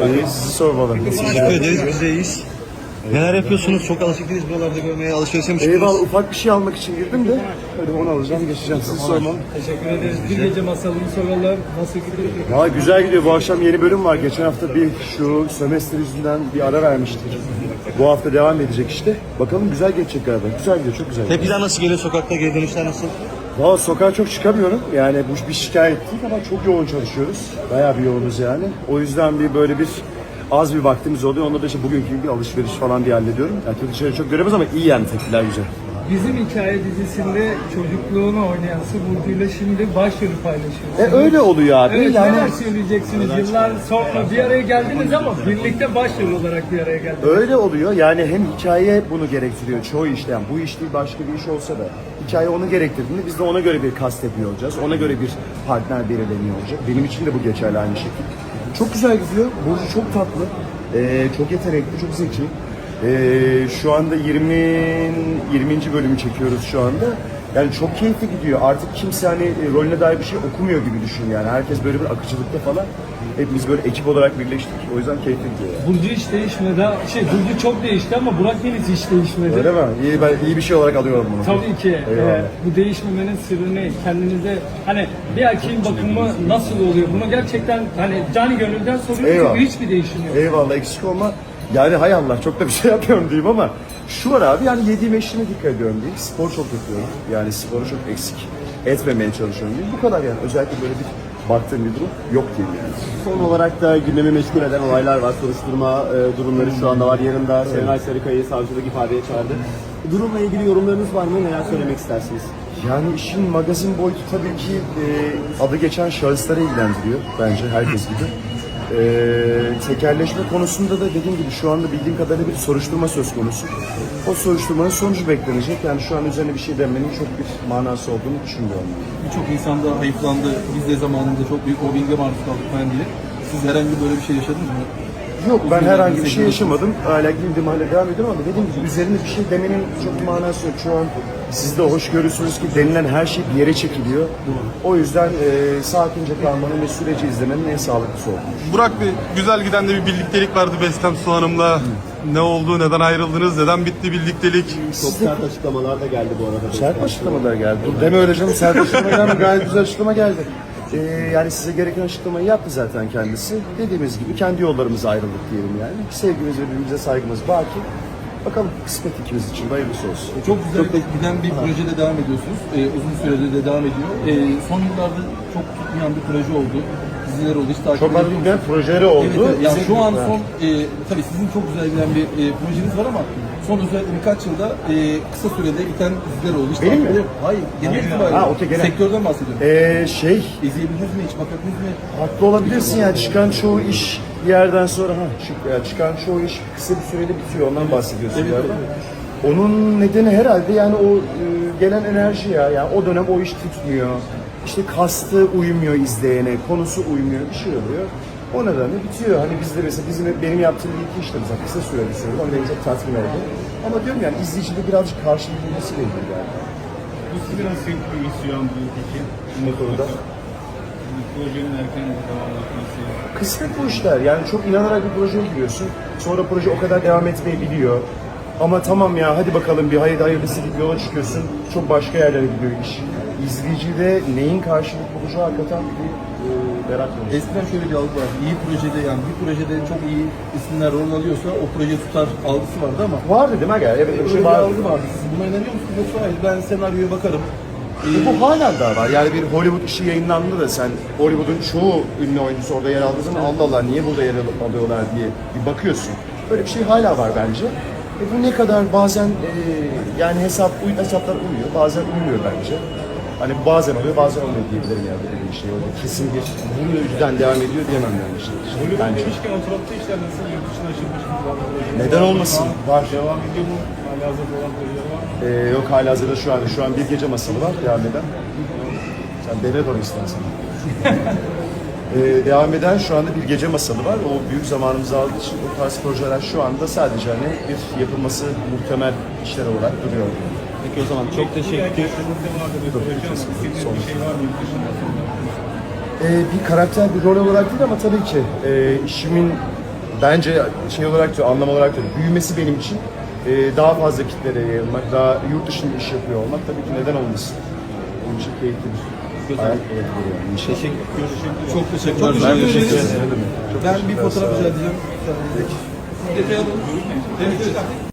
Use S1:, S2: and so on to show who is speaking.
S1: İyi, sizi sormalı.
S2: Teşekkür ederiz, biz de iyiyiz. Neler yapıyorsunuz? Çok alışık değiliz buralarda görmeye, alışverişe mi çıkıyoruz?
S1: Eyvallah, ufak bir şey almak için girdim de. Hadi onu alacağım, geçeceğim. Sizi sormalı.
S3: Teşekkür ederiz. Bir gece masalını soralım. Nasıl gidiyor?
S1: Valla güzel gidiyor. Bu akşam yeni bölüm var. Geçen hafta şu sömestr yüzünden bir ara vermiştik. Bu hafta devam edecek işte. Bakalım güzel geçecek galiba. Güzel gidiyor, çok güzel.
S2: Tepkiler nasıl geliyor sokakta, geri dönüşler nasıl?
S1: Valla sokağa çok çıkamıyorum. Yani bu bir şikayet değil ama çok yoğun çalışıyoruz. Bayağı bir yoğunuz yani. O yüzden böyle az bir vaktimiz oluyor. Onda da işte bugünkü gibi bir alışveriş falan diye hallediyorum. Yani kötü şeyleri çok göremez ama iyi yani, tepkiler güzel.
S3: Bizim hikaye dizisinde çocukluğunu oynayan Burcu ile şimdi başrolü paylaşıyorsunuz.
S1: Öyle oluyor abi.
S3: Evet,
S1: yani...
S3: neler söyleyeceksiniz? Yıllar sonra bir araya geldiniz ama birlikte başrol olarak bir araya geldiniz.
S1: Öyle oluyor. Yani hem hikaye bunu gerektiriyor. Çoğu işte, yani bu iş değil başka bir iş olsa da hikaye onu gerektirdiğinde biz de ona göre bir kast yapıyor olacağız. Ona göre bir partner belirleniyor olacak. Benim için de bu geçerli aynı şekilde. Çok güzel gidiyor. Burcu çok tatlı. Çok yetenekli, çok zeki. Şu anda 20. bölümü çekiyoruz şu anda. Yani çok keyifli gidiyor. Artık kimse rolüne dair bir şey okumuyor gibi düşün yani. Herkes böyle bir akıcılıkta falan. Hepimiz böyle ekip olarak birleştik. O yüzden keyifli gidiyor yani.
S3: Burcu hiç değişmedi. Burcu çok değişti ama Burak Yeliz hiç değişmedi.
S1: Öyle mi? Ben iyi bir şey olarak alıyorum bunu.
S3: Tabii ki. Bu değişmemenin sırrı ne? Kendinize bir erkeğin bakımı nasıl oluyor? Bunu gerçekten canı gönülden soruyorum çünkü hiçbir değişim yok.
S1: Eyvallah, eksik olma. Yani hay Allah, çok da bir şey yapıyorum diyeyim ama şu var abi, yani yediğim içtiğime dikkat ediyorum diyeyim. Spor çok yapıyorum. Yani sporu çok eksik etmemeye çalışıyorum diyeyim. Bu kadar yani. Özellikle böyle bir baktığım bir durum yok diyeyim yani.
S4: Son olarak da gündemi meşgul eden olaylar var. Soruşturma durumları şu anda var. Yarın da Serenay Sarıkaya'yı savcılık ifadeye çağırdı. Durumla ilgili yorumlarınız var mı? Neler söylemek istersiniz?
S1: Yani işin magazin boyutu tabii ki adı geçen şahısları ilgilendiriyor bence, herkes gibi. Tekelleşme konusunda da dediğim gibi şu anda bildiğim kadarıyla bir soruşturma söz konusu. O soruşturmanın sonucu beklenecek. Yani şu an üzerine bir şey demenin çok bir manası olduğunu düşünmüyorum.
S5: Birçok insan da hayıflandı. Biz de zamanında çok büyük mobbinge maruz kaldık falan diye. Siz herhangi böyle bir şey yaşadınız mı?
S1: Yok, ben herhangi bir şey yaşamadım. Hala bildiğim halde devam ediyorum ama dediğim gibi üzerine bir şey demenin çok bir manası yok. Şu an siz de hoş görürsünüz ki denilen her şey bir yere çekiliyor. O yüzden sakince kalmanın ve süreci izlemenin en sağlıklısı oldu.
S6: Burak Bey, güzel giden de bir birliktelik vardı Bestem Su Hanım'la. Ne oldu, neden ayrıldınız, neden bitti birliktelik?
S4: Çok sert açıklamalar da geldi bu arada.
S1: Sert açıklamalar geldi. Dur deme öyle canım, sert açıklamalar mı? Gayet güzel açıklama geldi. Yani size gereken açıklamayı yaptı zaten kendisi. Dediğimiz gibi kendi yollarımıza ayrıldık diyelim yani. Sevgimiz ve birbirimize saygımız baki. Bakalım kısmet ikimiz için hayırlısı olsun.
S5: Çok güzel giden bir projede devam ediyorsunuz. Uzun süredir de devam ediyor. Son yıllarda çok tutmayan bir proje oldu. Diziler oldu. Hiç takip
S1: Çok
S5: ediyor musunuz?
S1: projeleri oldu.
S5: Evet, yani şu an
S1: Bizim-
S5: son, tabii sizin çok güzel giden bir projeniz var ama son özellikle birkaç yılda kısa sürede biten diziler oldu. Hiç
S1: Benim
S5: takip
S1: mi?
S5: ediyor- Hayır, genel itibariyle.
S1: okey, genel.
S5: Sektörden bahsediyorum. İzleyebildiniz mi, hiç bakabildiniz mi?
S1: Haklı olabilirsin yani, çıkan çoğu iş bir yerden sonra çıkan çoğu iş kısa bir sürede bitiyor, ondan bahsediyorsun galiba. Onun nedeni herhalde yani o gelen enerji ya. Yani o dönem o iş tutmuyor. İşte kastı uymuyor izleyene, konusu uymuyor, bir şey oluyor. O nedenle bitiyor. Hani bizde mesela benim yaptığım bir iki işte mesela kısa sürede sürdü. Ama beni çok tatmin oldu. Ama diyorum yani izleyicide birazcık karşılık bulmasıyla ilgili yani.
S7: Bu sizi nasıl bir isyan bu peki?
S1: Bu konuda.
S7: Projenin erken devam etmesi.
S1: Kısmet bu işler. Yani çok inanarak bir projeye giriyorsun. Sonra proje o kadar devam etmeyebiliyor. Ama tamam ya, hadi bakalım bir hayırlısı deyip yola çıkıyorsun. Çok başka yerlere gidiyor iş. İzleyicide neyin karşılık bulacağı hakikaten bir merak konusu.
S5: Eskiden şöyle bir algı vardı. İyi projede, yani bir projede çok iyi isimler rol alıyorsa o proje tutar algısı vardı ama
S1: Vardı değil mi? Evet, öyle bir
S5: öyle
S1: şey
S5: bir
S1: vardı.
S5: algı vardı. Siz buna inanıyor musunuz? Yoksa hayır, ben senaryoya bakarım.
S1: Bu halen daha var. Yani bir Hollywood işi yayınlandı da sen Hollywood'un çoğu ünlü oyuncusu orada yer aldığı zaman Allah Allah niye burada yer alıyorlar diye bir bakıyorsun. Böyle bir şey hala var bence. Bu ne kadar bazen yani hesaplar uyuyor, bazen uymuyor bence. Hani bazen oluyor, bazen olmuyor diyebilirim yani böyle bir şey. Öyle kesin bir bu yüzden devam ediyor diyemem yani işte.
S7: Hollywood
S1: Bence.
S7: demişken oturaklı işler nasıl yurt dışına açılmış mı?
S1: Neden olmasın? Var.
S7: Devam ediyor mu? Hala hazırda olan projeler var mı?
S1: Yok, halihazırda şu an bir gece masalı var devam eden. Sen devlet onu istersen. Devam eden şu anda bir gece masalı var. O büyük zamanımızı aldığı için o tarz projeler şu anda sadece bir yapılması muhtemel işler olarak duruyor.
S4: Peki o zaman çok teşekkür ederim.
S7: İstediğiniz bir şey var mı yurt dışında?
S1: Bir karakter, bir rol olarak değil ama tabii ki işimin bence şey olarak da anlam olarak da büyümesi benim için daha fazla kitlere yayılmak, daha yurt dışında iş yapıyor olmak tabii ki neden olmasın. Benim için keyifli bir hayat olabilir yani.
S5: Çok teşekkürler.
S1: Ben teşekkür ederim.
S5: Ben bir fotoğraf rica edeceğim. Detay alalım. Evet.